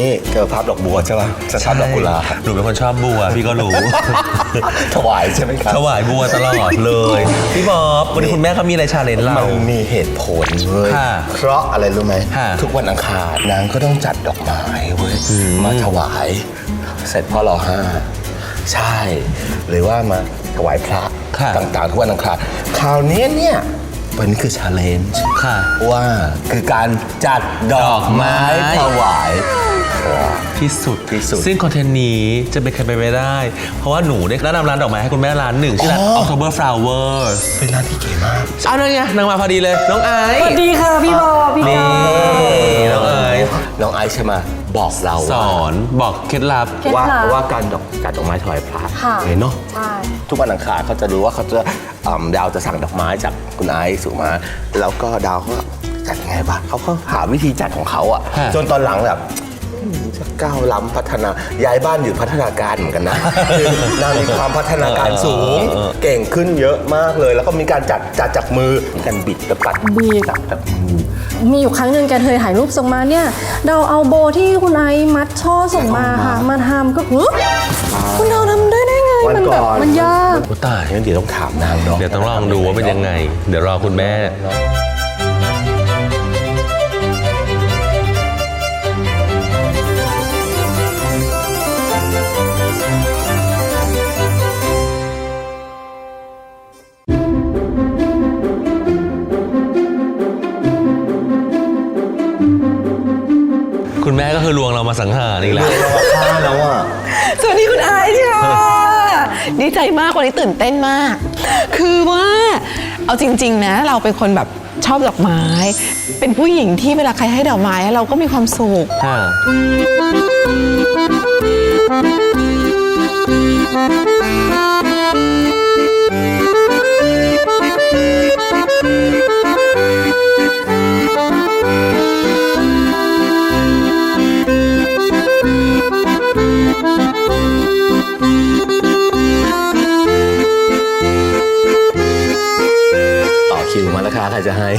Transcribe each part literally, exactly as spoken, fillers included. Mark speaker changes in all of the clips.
Speaker 1: นี่เจอภาพดอกบัวใช่ป่ะจะชอบดอกกุหลาบ
Speaker 2: หนูเป็นคนชอบบัวพี่ก็รู้
Speaker 1: ถวายใช่ไหมครับ
Speaker 2: ถวายบัวตลอดเลยพี่บ๊อบวันนี้คุณแม่เขามีอะไรชาเลนจ์เรา
Speaker 1: มันมีเหตุผลเลย
Speaker 2: ค่ะ
Speaker 1: เพราะอะไรรู้ไหม
Speaker 2: ค่ะ
Speaker 1: ทุกวันอังคารนางก็ต้องจัดดอกไม้เว้ยมาถวายเสร็จพ่อรอห้าใช่หรือว่ามาถวายพระ
Speaker 2: ค่ะ
Speaker 1: ต่างๆทุกวันอังคารคราวนี้เนี่ยวันนี้คือชาเลนจ์
Speaker 2: ค่ะ
Speaker 1: ว่าคือการจัดดอกไม้ถวาย
Speaker 2: ที่สุด
Speaker 1: ที่สุด
Speaker 2: ซึ่งคอนเทนต์นี้จะเป็นใครไปไม่ได้ เพราะว่าหนูได้แนะนำร้านดอกไม้ให้คุณแม่ร้านหนึ่งชื่อร้าน October Flowers
Speaker 1: เป็นร้านที่เก๋มาก
Speaker 2: เอาเลยไงนางมาพอดีเลยน้องไอซ์
Speaker 3: สวัสดีค่ะพี่บอพี่
Speaker 2: นี่
Speaker 3: กา
Speaker 2: น้องไอซ์
Speaker 1: น้องไอซ์ใช่ไหมบอกเรา
Speaker 2: สอนบอกเคล็ดลับ
Speaker 3: เคล็ด
Speaker 1: ว่า
Speaker 3: ลับ
Speaker 1: ว่าการดอกจัดดอกไม้ถวายพระ
Speaker 3: ค่ะ
Speaker 1: เนาะ
Speaker 3: ใช่
Speaker 1: ทุกวันอังคารเขาจะรู้ว่าเขาจะอ่าดาวจะสั่งดอกไม้จากคุณไอซ์สุมา แล้วก็ดาวเขาจัดไงบ้างเขาก็หาวิธีจัดของเขาอ่ะ
Speaker 2: ฮะ
Speaker 1: จนตอนหลังแบบจะก้าวล้ำพัฒนาย้ายบ้านอยู่พัฒนาการเหมือนกันนะ คือนางมีความพัฒนาการสูง เก่งขึ้นเยอะมากเลย แล้วก็มีการจัดจัดจากมือมีการบิดกับตัด
Speaker 3: บิด
Speaker 1: จับจากมือ
Speaker 3: มีอยู่ครั้งหนึ่งแกเคยถ่ายรูปส่งมาเนี่ยเราเอาโบที่คุณไอซ์มัดช่อส่งมาค่ะมาทำก็หึคุณเราทำได้ได้ไง
Speaker 1: วัน
Speaker 3: มัน
Speaker 1: ก่
Speaker 3: แบบ
Speaker 1: อน
Speaker 3: มันยาก
Speaker 1: โอ้ตายงั้นเดี๋ยวต้องถามนางเนาะ
Speaker 2: เดี๋ยวต้องลองดูว่าเป็นยังไง เดี๋ยวรอคุณแม่ คุณแม่ก็คือลวงเรามาสังหารอีกแล้ว
Speaker 1: ฆ่าแล้วอ่ะ
Speaker 4: สวัสดีคุณไอซ์ค่ะดีใจมากวันนี้ตื่นเต้นมาก คือว่าเอาจริงๆนะเราเป็นคนแบบชอบดอกไม้ เป็นผู้หญิงที่เวลาใครให้ดอกไม้เราก็มีความสุข
Speaker 2: ค่ะ
Speaker 1: ต่อคิวมาแล้วค่ะใครจะให้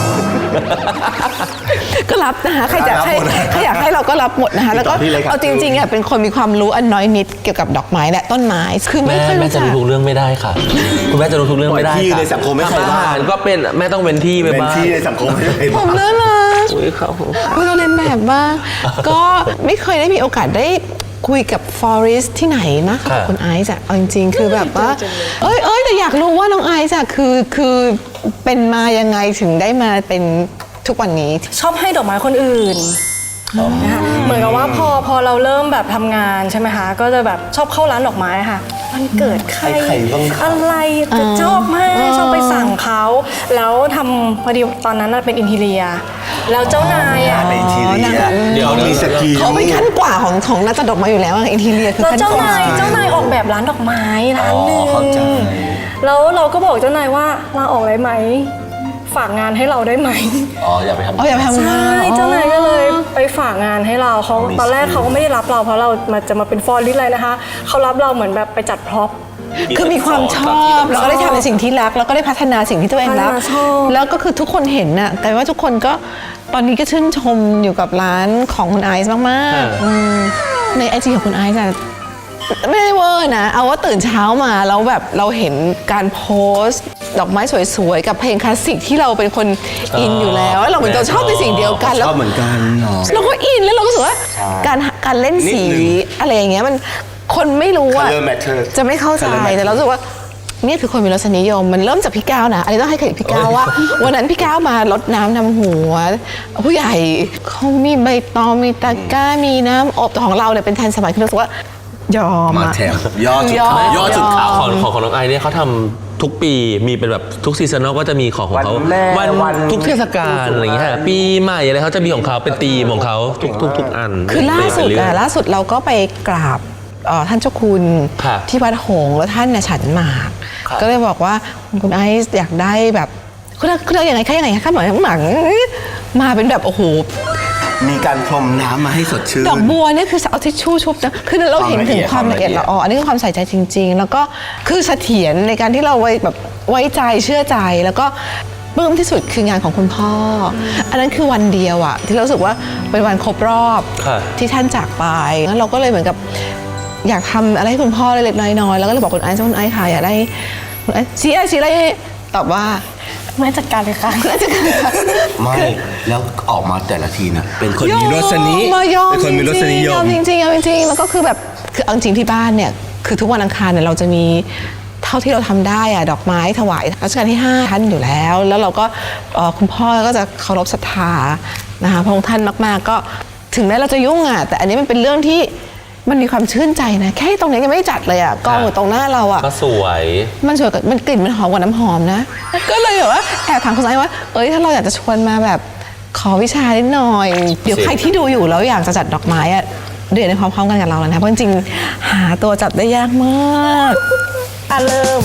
Speaker 4: ก็รับนะคะใครจะ
Speaker 1: รับ
Speaker 4: ให้
Speaker 1: หมดนะ
Speaker 4: ใครอยากให้เราก็รับหมดนะคะแล้วก็
Speaker 1: ติดต่อที่เลยครับ
Speaker 4: เอาจริงๆอ่ะเป็นคนมีความรู้อันน้อยนิดเกี่ยวกับดอกไม้และต้นไม้คือไม่
Speaker 2: แม่
Speaker 4: ค่อย
Speaker 2: แม่
Speaker 4: รู้
Speaker 2: จะ
Speaker 4: จัก
Speaker 2: รู้ทุกเรื่องไม่ได้ค่ะ คุณแม่จะรู้ทุกเรื่องไม่ได้
Speaker 1: ปล่อยที่
Speaker 2: ค่ะ
Speaker 1: ในสังคมให้ใคร
Speaker 2: ทำอา
Speaker 1: บ้าง
Speaker 2: หารก็เป็นแม่ต้องเป็นที่ไป
Speaker 1: เป็น
Speaker 2: บ้าง
Speaker 1: ที่ในสังคมให้ใคร
Speaker 4: ผ
Speaker 1: บ้าง
Speaker 4: มน่ารัก
Speaker 2: อุ้ยเขา
Speaker 4: เราเรียนแบบบ้าง ก็ไม่เคยได้มีโอกาสได้คุยกับฟอเรสที่ไหนนะกับคุณไอซ์อะเอาจริงๆ คือแบบว่า เอ้ยเอ้ยแต่อยากรู้ว่าน้องไอซ์อะคือคือเป็นมายังไงถึงได้มาเป็นทุกวันนี้
Speaker 3: ชอบให้ดอกไม้คนอื่นนะคะเหมือนกับว่าพอพอเราเริ่มแบบทำงานใช่ไหมคะก็จะแบบชอบเข้าร้านดอกไม้ค่ะมันเกิดใคร
Speaker 1: ใครบ้างคะ
Speaker 3: อะไรจะชอบมากชอบไปสั่งเขาแล้วทำพอดีตอนนั้นน่ะเป็นอินทีเรีย แล้วเจ้านายอ่ะ
Speaker 1: ในทีเรีย
Speaker 2: เดี๋ยว
Speaker 1: มีสกี
Speaker 4: เขาเป็นขั้นกว่าของของนักจัดดอกไม้อยู่แล้วอินทีเรียคือ
Speaker 3: แล้ว
Speaker 4: ขั้น
Speaker 3: เจ้าก
Speaker 4: ว่า
Speaker 3: นายเจ้านายออกแบบร้านดอกไม้ร้านหนึ่ง
Speaker 1: อ๋อเข้าใจ
Speaker 3: แล้วเราก็บอกเจ้านายว่าลาออกได้ไหมฝากงานให้เราได้ไหม
Speaker 1: อ๋ออย่าไปทำ
Speaker 4: อ๋ออย่าไปทำงา
Speaker 3: ใช่
Speaker 4: น
Speaker 3: เจ้านายก็เลยไปฝากงานให้เราเขา
Speaker 1: มี
Speaker 3: ตอนแรก
Speaker 1: สกิล
Speaker 3: เขาก็ไม่ได้รับเราเพราะเรามาจะมาเป็นฟอร์ลิสอะไรนะคะเขารับเราเหมือนแบบไปจัดพร็อพ
Speaker 4: คือมีความชอบแล้วก็ได้ทำในสิ่งที่รักแล้วก็ได้พัฒนาสิ่งที่ตัวเองรัก
Speaker 3: พัฒนาชอบ
Speaker 4: แล้วก็คือทุกคนเห็นน่ะแต่ว่าทุกคนก็ตอนนี้ก็ชื่นชมอยู่กับร้านของคุณไอซ์มากๆอืมในไอจีของคุณไอซ์อะไม่ได้เวอร์นะเอาว่าตื่นเช้ามาแล้วแบบเราเห็นการโพสต์ดอกไม้สวยๆกับเพลงคลาสสิกที่เราเป็นคนอินอยู่แล้วแล้วเราเหมือนเราชอบในสิ่งเดียวกัน
Speaker 1: ช
Speaker 4: แล้ว
Speaker 1: อบเหมือนกันเนาะ
Speaker 4: เราก็อินแล้วเราก็รู้สึกว่า
Speaker 1: ใช่
Speaker 4: การการเล่นสี
Speaker 1: นิดนึง
Speaker 4: อะไรอย่างเงี้ยมันคนไม่รู้อะ
Speaker 1: Color matter
Speaker 4: จะไม่เข้าใจ
Speaker 1: Color matter
Speaker 4: แต่เรารู้สึกว่านี่คือคนมีรสนิยมมันเริ่มจากพี่ก้าวนะอันนี้ต้องให้เครดิตพี่ก้าวว่า วันนั้นพี่ก้าวมารดน้ำนำหัว ผู้ใหญ่เขามีใบตองมีตะกร้ามีน้ำอบแต่ของเราเนี่ยเป็นทันสมัยคือรู้สึกว่ายอม
Speaker 1: มา
Speaker 4: อะ
Speaker 1: แถมยอดจุดขาวย
Speaker 4: อด
Speaker 1: ยอดจุดขาว
Speaker 2: ของของของน้องไอเนี่ยเขาทำทุกปีมีเป็นแบบทุกซีซันก็จะมีของของเขา
Speaker 1: วันแม่วัน
Speaker 2: ทุกเทศกาลอะไรอย่างเงี้ยปีใหม่อะไรเขาจะมีของเขาเป็นธีมของเขาทุกทุกทุกอัน
Speaker 4: คือล่าสุด
Speaker 2: เป็นเรื่
Speaker 4: อะ
Speaker 2: อง
Speaker 4: ล่าสุดเราก็ไปกราบเอ่อท่านเจ้าคุณ
Speaker 2: ครับ
Speaker 4: ที่วัดหงส์แล้วท่านน่ะฉันหมาก
Speaker 1: ครับ
Speaker 4: ก็เลยบอกว่าคุณไอซ์อยากได้แบบคุณคุณยังไงคะยังไงคะหมายหมังมาเป็นแบบโอ้โห
Speaker 1: มีการพรมน้ำมาให้สดชื่น
Speaker 4: ดอกบัวเนี่ยคือเอาทิชชู่ชุบนะคือเราเห็นถึงความละเอียดละอออันนี้คือความใส่ใจจริง ๆ แล้วก็คือเสถียรในการที่เราไว้แบบไว้ใจเชื่อใจแล้วก็ปลื้มที่สุดคืองานของคุณพ่อออันนั้นคือวันเดียวอะที่เรารู้สึกว่าเป็นวันครบรอบ
Speaker 2: ค่ะ
Speaker 4: ที่ท่านจากไปแล้วเราก็เลยเหมือนกับอยากทำอะไรให้คุณพ่อเล็กๆน้อยๆแล้วก็เลยบอกคุณไอซ์ว่าคุณไอซ์ค่ะอยากได้คุณไอซ์ชี้อะไรชี้อะไรตอบว่า
Speaker 3: ไม่จัดการเลยค่ะ
Speaker 1: ไม่แล้วออกมาแต่ละทีน่ะเป็นคนมีรสนิ
Speaker 4: มายอม
Speaker 1: เป็นคนมีรสนิย
Speaker 4: ยอ
Speaker 1: ม
Speaker 4: มจริงๆยอมจริงๆแล้วก็คือแบบคือเอาจริงที่บ้านเนี่ยคือทุกวันอังคารเนี่ยเราจะมีเท่าที่เราทำได้อะดอกไม้ถวายรัชกาลที่ห้าท่านอยู่แล้ว แล้วเราก็เอ่อคุณพ่อก็จะเคารพศรัทธานะคะพระองค์ท่านมากๆก็ถึงแม้เราจะยุ่งอะแต่อันนี้มันเป็นเรื่องที่มันมีความชื่นใจนะแค่ตรงนี้ยังไม่จัดเลยอะกองอยู่ตรงหน้าเราอะ
Speaker 2: ก็สวย
Speaker 4: มันสวยกับมันกลิ่นมันหอมกว่าน้ำหอมนะ ก็เลยแบบว่าแอบถามคุณไอ้ว่า เอ้ยถ้าเราอยากจะชวนมาแบบขอวิชานิดหน่อย เดี๋ยวใครที่ดูอยู่แล้วอยากจะจัดดอกไม้อะเดือนในพร้อมๆกันกับเราแล้วนะ เพราะจริงๆหาตัวจัดได้ยากมาก
Speaker 3: อ่ะเริ่ม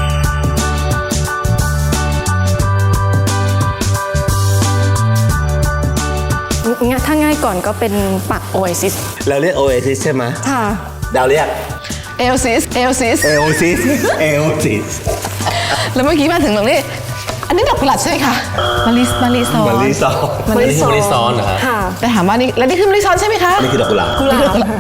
Speaker 3: งั้นถ้าง่ายก่อนก็เป็นปัก Oasis
Speaker 1: เราเรียกโอเอซิสใช่ไหม
Speaker 3: ค่ะ
Speaker 1: ดาวเรียก
Speaker 4: เอลซิส เอลซิส
Speaker 1: เอโอซิสเอโอซิส
Speaker 4: แล้วเมื่อกี้มาถึงตรงนี้ อันนี้ดอกกุหลาบใช่ไหมคะมาริสมาริซอน
Speaker 1: มาริซอน
Speaker 2: อันนี้คือมะลิซ้อนเหรอฮะ
Speaker 3: ค่ะ
Speaker 4: แต่ถามว่านี่แล้วนี่คือมาริซอนใช่ไหมคะ
Speaker 1: นี่คือดอกกุหลาบ
Speaker 3: กุหลาบค่ะ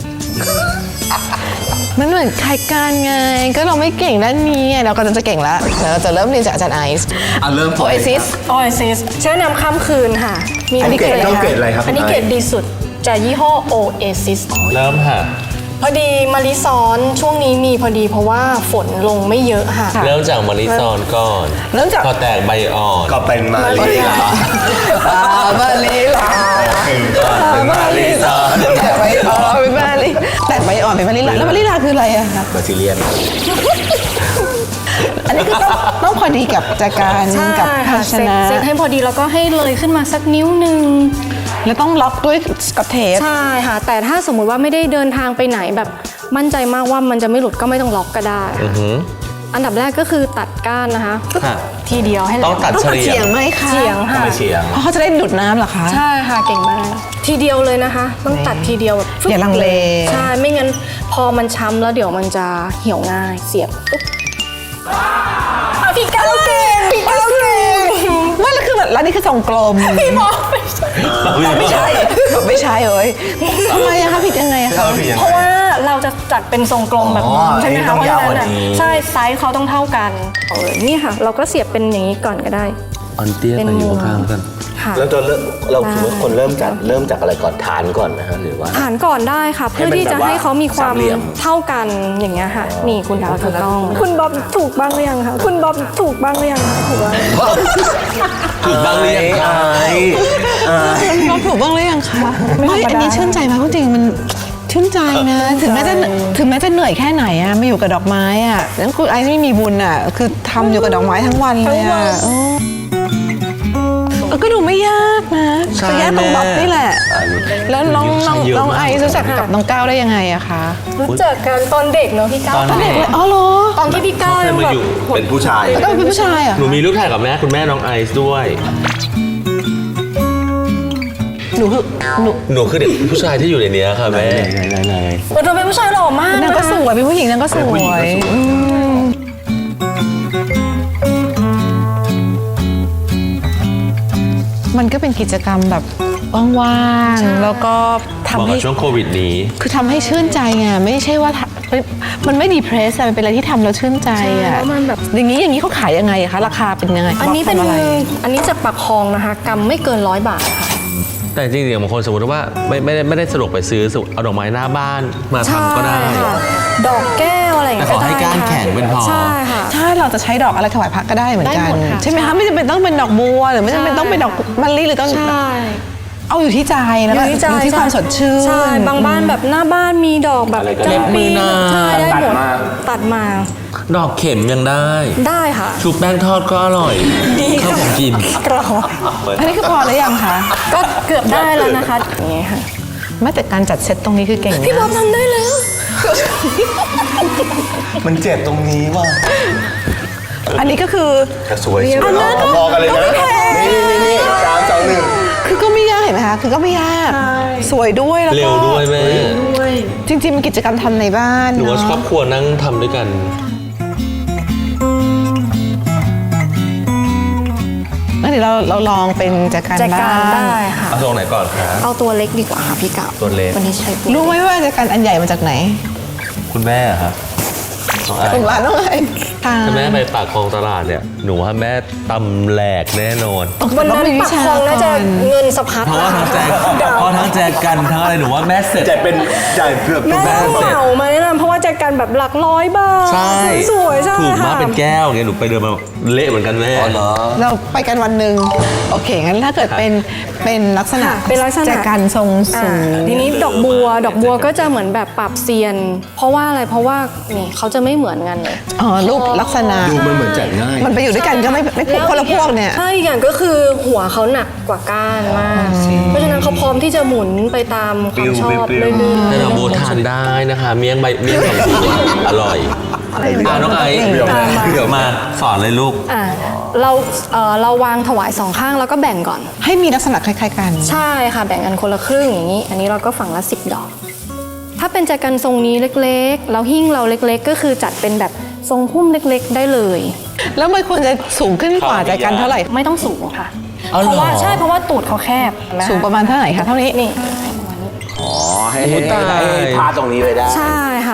Speaker 4: มันเหมือนคล้ายกันไง ก็เราไม่เก่งด้านนี้ไงเราก็จะเก่งแล้วเดี๋ยวเราจะเริ่มเรียนจากอาจารย์ไอซ์
Speaker 1: อ่ะเริ่ม
Speaker 4: โอเอซิส
Speaker 3: Oasis ใช้น้ำข้ามคืนค่ะ มี
Speaker 1: อันนี้เกรดต้องเกรดอะไรครับ
Speaker 3: อันนี้เกรดดีสุดจากยี่ห้อ Oasis
Speaker 2: เริ่มค่ะ
Speaker 3: พอดีมะลิซ้อนช่วงนี้มีพอดีเพราะว่าฝนลงไม่เยอะค่ะ
Speaker 2: เริ่มจากมะลิซ้อนก่อน
Speaker 4: เริ่มจาก
Speaker 2: พอแตกใบอ่อน
Speaker 1: ก็เป็นมาลีลา
Speaker 4: อ่ามาลีลา
Speaker 1: เป็นมาลีซอน
Speaker 4: แต่ใบอ่อนเป็นมาลีแต่ใบอ่อนเป็นมาลีลาแล้วมาลีลาคืออะไรอะคะ
Speaker 1: บาซิเลียน
Speaker 4: อันนี้คือต้องต้องพอดีกับจากการ
Speaker 3: ใช่
Speaker 4: กับภา
Speaker 3: ค่ะ
Speaker 4: ช
Speaker 3: เซ็ต
Speaker 4: นะ
Speaker 3: เซ็ตให้พอดีแล้วก็ให้เลยขึ้นมาสักนิ้วหนึ่ง
Speaker 4: แล้วต้องล็อกด้วยสกอตเทป
Speaker 3: ใช่ค่ะ แต่ถ้าสมมุติว่าไม่ได้เดินทางไปไหนแบบมั่นใจมากว่ามันจะไม่หลุดก็ไม่ต้องล็อกก็ได้
Speaker 2: อือหือ
Speaker 3: อันดับแรกก็คือตัดก้านนะคะปึ๊บ
Speaker 2: ค่ะ
Speaker 3: ทีเดียวให้แหล
Speaker 2: ต้อง
Speaker 3: ม
Speaker 2: ตัด
Speaker 4: ต้อง
Speaker 2: เฉ
Speaker 4: ตัด
Speaker 2: ลี่ย
Speaker 4: เฉียงไหมคะ
Speaker 3: เฉียงค่ะ
Speaker 1: ไม่เฉียง
Speaker 4: เพราะเขาจะได้ดูดน้ำเหรอคะ
Speaker 3: ใช่ค่ะเก่งมากทีเดียวเลยนะคะ ต้องตัดทีเดียวแบบฟึ๊บ
Speaker 4: อย่าลังเล
Speaker 3: ใช่ไม่งั้นพอมันช้ำแล้วเดี๋ยวมันจะเหี่ยวง่ายเสียบปุ๊บอ่ะพี่ก้าวเก่งพี่ก้าวเก่ง
Speaker 4: ไม่แล้วคือแบบแล้วนี่คือทรงกลม
Speaker 3: พี่บอกไม่ใช่
Speaker 4: ไม่ใช่ไม่ใช่เอ้ยทำไมอะคะผิดยังไงอะคะ
Speaker 3: เพราะว่าเราจะจัดเป็นทรงกลมแบบ
Speaker 1: อ๋
Speaker 3: นี้
Speaker 1: อ
Speaker 3: ใช่ไหม
Speaker 1: อันนี้ต้
Speaker 3: คะ
Speaker 1: อง
Speaker 3: เพราะฉะนั้น
Speaker 1: ยาวกว่า
Speaker 3: อ่ะ
Speaker 1: นี้
Speaker 3: ใช่ไซส์เขาต้องเท่ากันเออนี่ค่ะ เราก็เสียบเป็นอย่างนี้ก่อนก็ได้
Speaker 2: อันเตี้ยไปอยู่ข้างๆกัน
Speaker 3: ค่ะ
Speaker 1: แล้วตัวเริ่มเราคิดว่าคนเริ่มจากเริ่มจากอะไรก่อนฐานก่อนนะฮะหรือว่า
Speaker 3: ฐานก่อนได้ค่ะ เพื่อที่จะให้เขามีความ
Speaker 1: สามเหลี่ยม
Speaker 3: เท่ากันอย่างเงี้ยค่ะ นี่คุณดาวถูกต้อง คุณบ๊อบถูกบ้างหรือยังคะคุณบ๊อบถูกบ้างหรือยังคะถูกบ้าง
Speaker 2: ถูกบ้างหรือยังคะ
Speaker 1: ไอ้ไอ้
Speaker 4: เราถูกบ้างหรือยังคะ
Speaker 3: ไม่ธรรมดา
Speaker 4: ไม่อันนี้ชื่นใจมากจริงๆมันชื่นใจนะ ถึงแม้จะถึงแม้จะเหนื่อยแค่ไหนอะมาอยู่กับดอกไม้อะแล้วคุณไอซ์ไม่มีบุญอะคือทำอยู่กับดอกไม้ทั้งวันเลยอะเออเออก็ดูไม่ยากนะ
Speaker 2: ใช่
Speaker 4: ก็ยากตรง
Speaker 2: แม่
Speaker 4: บ๊อบนี่แหละ แล้วน้องน้อง
Speaker 2: เยอะ
Speaker 4: น้อง
Speaker 2: มาก
Speaker 4: ไอซ์รู้จักกับน้องก้าวได้ยังไงอะคะ
Speaker 3: รู้จักกันตอนเด็กเนาะพี่ก้าว
Speaker 2: ตอนเด็ก
Speaker 4: อ๋อเหรอ
Speaker 3: ตอนที่พี่ก้าว
Speaker 2: เขาเคย
Speaker 3: ยัง
Speaker 2: มา
Speaker 3: แบบ
Speaker 2: อยู่
Speaker 1: เป็นผู้ชาย
Speaker 4: แล้วก็เป็นผู้ชายอะ
Speaker 2: หนูมีรูปถ่ายกับแม่คุณแม่น้องไอซ์ด้วย
Speaker 4: หนูคือหนู
Speaker 2: หนูคือเด็กผู้ชายที่อยู่ในเนี้ยค่ะแม่
Speaker 1: ไหนไหน
Speaker 3: โอ้เธอเป็นผู้ชายหล่อมาก
Speaker 4: นางก็สวยเป็นผู้หญิงนางก็ส
Speaker 1: เป็น
Speaker 4: ว
Speaker 1: ผู้หญิงก็
Speaker 4: ย
Speaker 1: สวย
Speaker 4: อืมมันก็เป็นกิจกรรมแบบว่างๆ แล้วก็
Speaker 2: เห
Speaker 4: ทำ
Speaker 2: มาะ
Speaker 4: ให้
Speaker 2: กับช่วงโควิดนี้
Speaker 4: คือทำให้ชื่นใจไงไม่ใช่ว่าทำมันไม่ดีเพรสมันเป็นอะไรที่ทำแล้วชื่นใจ
Speaker 3: ใช่
Speaker 4: อ่ะ
Speaker 3: แล้วมันแบบ
Speaker 4: อย่างนี้อย่างนี้เขาขายยังไงอะคะ ราคาเป็นยังไง
Speaker 3: อันนี้เป็น
Speaker 4: ทำอะไร
Speaker 3: อันนี้จะปักคองนะคะกำไม่เกินร้อยบาทค่ะ
Speaker 2: แต่จริงๆบางคนสมมติว่าไม่ไม่ได้ไม่ได้สะดวกไปซื้อเอาดอกไม้หน้าบ้านมาทำก็ได้
Speaker 3: ใช่ค่ะดอกแก้วอะไรอย่างเงี้ย
Speaker 2: แต่ขอให้ก้านแข็งเป็นพอ
Speaker 3: ใช่ค่ะ
Speaker 4: ใช่เราจะใช้ดอกอะไรถวายพระก็ได้เหมือนกัน
Speaker 3: ได้หมดค่ะ
Speaker 4: ใช่ไหมคะไม่จำเป็นต้องเป็นดอกบัวหรือไม่จำเป็นต้องเป็นดอกมะลิหรือต้อง
Speaker 3: ใช่
Speaker 4: เอาอยู่ที่ใจแล้วก็
Speaker 3: อยู่ที่ใจ
Speaker 4: อยู่ที่ความสดชื่น
Speaker 3: ใช่บางบ้านแบบหน้าบ้านมีดอกแบบ
Speaker 1: อะไรก็ได้
Speaker 3: จำปี
Speaker 2: เล็บมือนาง
Speaker 3: ใช่ได้หมด
Speaker 1: ตัดมา
Speaker 3: ตัดมา
Speaker 2: ดอกเข็มยังได้
Speaker 3: ได้ค่ะ
Speaker 2: ชุบแป้งทอดก็อร่อย
Speaker 3: ดี
Speaker 2: ข้าว
Speaker 3: ค่ะ
Speaker 2: ผมกิน
Speaker 3: กรอบ
Speaker 4: อันนี้คือพอหรือยังคะ
Speaker 3: ก็เกือบได้แล้วนะคะอย่างเงี้ยค่ะ
Speaker 4: แม้แต่การจัดเซตตรงนี้คือเก่ง
Speaker 3: พี่บ๊อ
Speaker 4: มา
Speaker 3: บ
Speaker 4: ก
Speaker 3: ทำได้แล้ว
Speaker 1: มันเจ็บตรงนี้ว่ะ
Speaker 4: อันนี้ก็คือ
Speaker 1: แต่สวยสวยพอกันเลยนะนี่นี่นี่สามสองหนึ่ง
Speaker 4: คือก็ไม่ยากเห็นไหมคะ คือก็ไม่ยาก สวยด้วยแล้วก็
Speaker 2: เร็วด้วยแม่
Speaker 4: จริงๆมันกิจกรรมทำในบ้าน
Speaker 2: หนูว่า
Speaker 4: เนาะ
Speaker 2: ครอบครัวนั่งทำด้วยกัน
Speaker 4: เดี๋ยวเราเราลองเป็นแจกัน
Speaker 3: แจ
Speaker 4: บ้า
Speaker 3: กัน
Speaker 4: ง
Speaker 3: ได้ค่ะ
Speaker 2: เอาตรงไหนก่อนคะ
Speaker 3: เอาตัวเล็กดีกว่าค่ะพี่กาว
Speaker 2: ตัวเล็ก
Speaker 3: วันนี้ใช้ตัว
Speaker 4: รู้ไหมว่าแจกันอันใหญ่มาจากไหน
Speaker 2: คุณแม่อะครับน้องไอ
Speaker 4: ของร้านน้องไอ้ค่ะ
Speaker 2: ถ้าแม่ไปปากคลองตลาดเนี่ยหนูว่าแม่ตำแหลกแน่นอน
Speaker 3: วันนั้นปักคลองน่าจะเงินสะพัด
Speaker 2: เพราะว่าทั้งแจกเพราะทั้งแจกกันทั้งอะไรหนูว่าแม่เสร็จ
Speaker 1: จะเป็นจ่ายเกือบทุ
Speaker 3: แม่
Speaker 1: กบ้าน
Speaker 3: เหมามาแนะนำเพราะว่าแจกันแบบหลักร้อยบาท
Speaker 2: ใช่
Speaker 3: สวยๆใช่
Speaker 2: ถูกมาก
Speaker 3: ค่ะ
Speaker 2: เป็นแก้วไงหนูไปเดินมาเละเหมือนกันแม่
Speaker 1: อ๋อเหรอ
Speaker 4: เราไปกันวันหนึ่งโอเคงั้นถ้าเกิดเป็นเป็นลักษณะ
Speaker 3: ค่ะเป็นลักษณะ
Speaker 4: แจกันทรงสู
Speaker 3: อ่าง ทีนี้ดอกบัวดอกบัวก็จะเหมือนแบบปรับเซียน เพราะว่าอะไรเพราะว่านี่เขาจะไม่เหมือนกันเลย
Speaker 4: อ๋อรูปลักษณะ
Speaker 1: ดูมันเหมือนจัดง่าย
Speaker 4: มันไปอยู่ด้วยกันก็ไม่ไม่พวกคนละพวกเนี่ย
Speaker 3: ใช่อีกอย่างก็คือหัวเขาหนักกว่าก้านมาก เพราะฉะนั้นเขาพร้อมที่จะหมุนไปตามความชอบ
Speaker 1: ปลิวๆ
Speaker 3: เรื่อยๆ
Speaker 2: แต่ดอกบัวทานได้นะคะ เมี่ยงใบเมี่ยงดอกบัวอร่อยอ่าน้องไอซ์
Speaker 1: เดี๋ยวนะ
Speaker 2: เดี๋ยวมาสอนเลยลูก
Speaker 3: อ่ะเราเอ่อเราวางถวายสองข้างแล้วก็แบ่งก่อน
Speaker 4: ให้มีลักษณะคล้ายๆกัน
Speaker 3: ใช่ค่ะแบ่งกันคนละครึ่งอย่างนี้ อันนี้เราก็ฝั่งละสิบดอก ถ้าเป็นแจกันทรงนี้เล็กๆแล้วหิ้งเราเล็กๆ ก็คือจัดเป็นแบบทรงพุ่มเล็กๆ ได้เลย
Speaker 4: แล้วมันควรจะสูงขึ้นกว่าแจกันเท่าไหร่
Speaker 3: ไม่ต้องสูงค่ะ
Speaker 2: เอาเหรอ
Speaker 3: เพราะว่าใช่เพราะว่าตูดเขาแคบเห็นไหม
Speaker 4: สูงประมาณเท่าไหร่คะเท่านี้
Speaker 3: นี่
Speaker 1: อ๋อ ให้ให้ให้ให้พาตรงนี้ไปได้
Speaker 3: ใช่ค่ะ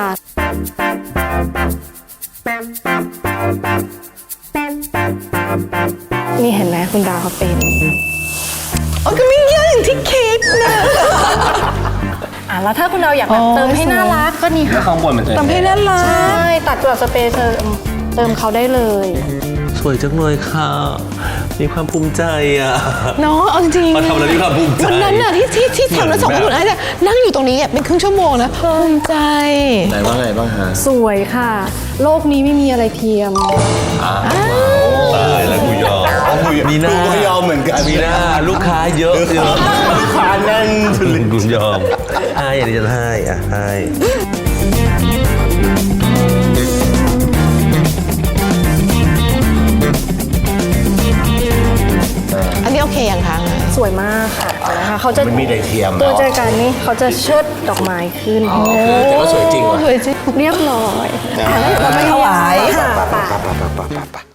Speaker 3: นี่เห็นไหมคุณดาวเขาเป็น
Speaker 4: โอ้ก็ไม่เยอะอย่างที่คิดนะ
Speaker 3: อ่ะแล้วถ้าคุณดาวอยากแบบ
Speaker 4: อ๋อ
Speaker 3: เติมให้น่ารักก็นี่
Speaker 1: แล้ว
Speaker 3: ค่ะ
Speaker 1: ข้างบนมันจะ
Speaker 4: ทำให้น่ารัก
Speaker 3: ใช่ตัดกับสเปรย์เติมเติมเขาได้เลย
Speaker 2: สวยจังเลยค่ะ มีความภูมิใจอ่ะ
Speaker 4: เนาะเอาจริงๆ
Speaker 2: มาทำอะไรมีความภูมิใจ
Speaker 4: วันนั้นน่ะที่ที่ที่ทำแล้วส่งให้คุณไอ้จะนั่งอยู่ตรงนี้อ่ะเป็นครึ่งชั่วโมงนะภูมิใจ
Speaker 1: ไหนว่าไงบ้างฮะ
Speaker 3: สวยค่ะ โลกนี้ไม่มีอะไรเทียม
Speaker 2: ตายแล้วกูยอมมีหน้า
Speaker 1: กูก็ยอมเหมือนกัน
Speaker 2: มีหน้าลูกค้าเยอะเยอะ
Speaker 1: ลูกค้าแน่น
Speaker 2: กูยอมให้อันนี้จะให้อ่ะให้
Speaker 4: อันนี้โอเคยังคะ
Speaker 3: สวยมากค่ะนะคะเขาจะ
Speaker 1: มันมีไดเทียม
Speaker 3: ตัว
Speaker 1: เนาะ
Speaker 3: แจกันนี่เขาจะเชิดดอกไม้ขึ้น
Speaker 1: แต่ว่าสวยจริงว่ะ
Speaker 4: สวยจริง
Speaker 3: เรียบร้อย
Speaker 4: เราไปถวาย
Speaker 3: ค่ะ
Speaker 1: ไป
Speaker 3: ไป
Speaker 1: ไปไปไปไปไป